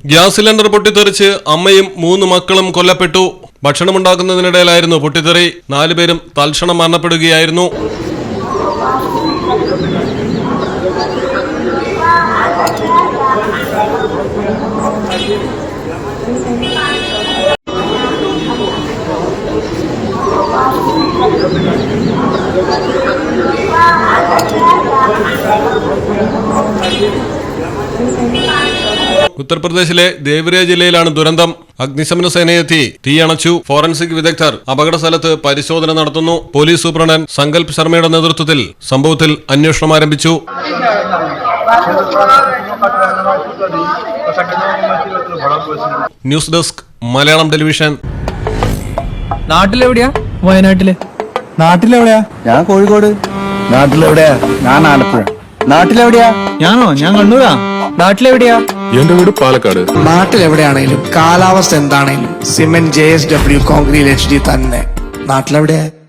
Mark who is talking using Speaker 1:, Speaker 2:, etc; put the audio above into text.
Speaker 1: Gas cylinder പൊട്ടിത്തെറിച്ച് അമ്മയും 3 മക്കളും കൊല്ലപ്പെട്ടു. ഭക്ഷണമുണ്ടാക്കുന്നതിനിടയിലായിരുന്നു പൊട്ടിത്തെറി. 4 പേരും തൽക്ഷണം മരണപ്പെടുകയായിരുന്നു. ഉത്തർപ്രദേശിലെ ദേവ്രിയ ജില്ലയിലാണ് ദുരന്തം. അഗ്നിശമന സേനയെത്തി തീയണച്ചു. ഫോറൻസിക് വിദഗ്ധർ അപകട സ്ഥലത്ത് പരിശോധന നടത്തുന്നു. പോലീസ് സൂപ്രണ്ട് സങ്കൽപ് ശർമ്മയുടെ നേതൃത്വത്തിൽ സംഭവത്തിൽ അന്വേഷണം ആരംഭിച്ചു. News desk Malayalam television.
Speaker 2: നാട്ടിലെവിടെയാ? വയനാട്ടില്.
Speaker 3: നാട്ടിലെവിടെയാ? ഞാൻ കോഴിക്കോട്. നാട്ടിലെവിടെയാ? ഞാൻ ആലപ്പുഴ. നാട്ടിലെവിടെയാ?
Speaker 2: ഞാനോ? ഞാൻ കണ്ണൂരാ. നാട്ടിലെവിടെയാ?
Speaker 4: എന്റെ വീട് പാലക്കാട്.
Speaker 3: നാട്ടിലെവിടെയാണേലും കാലാവസ്ഥ എന്താണേലും സിമെന്റ് JSW കോൺക്രീറ്റ് HD തന്നെ. നാട്ടിലെവിടെയാ?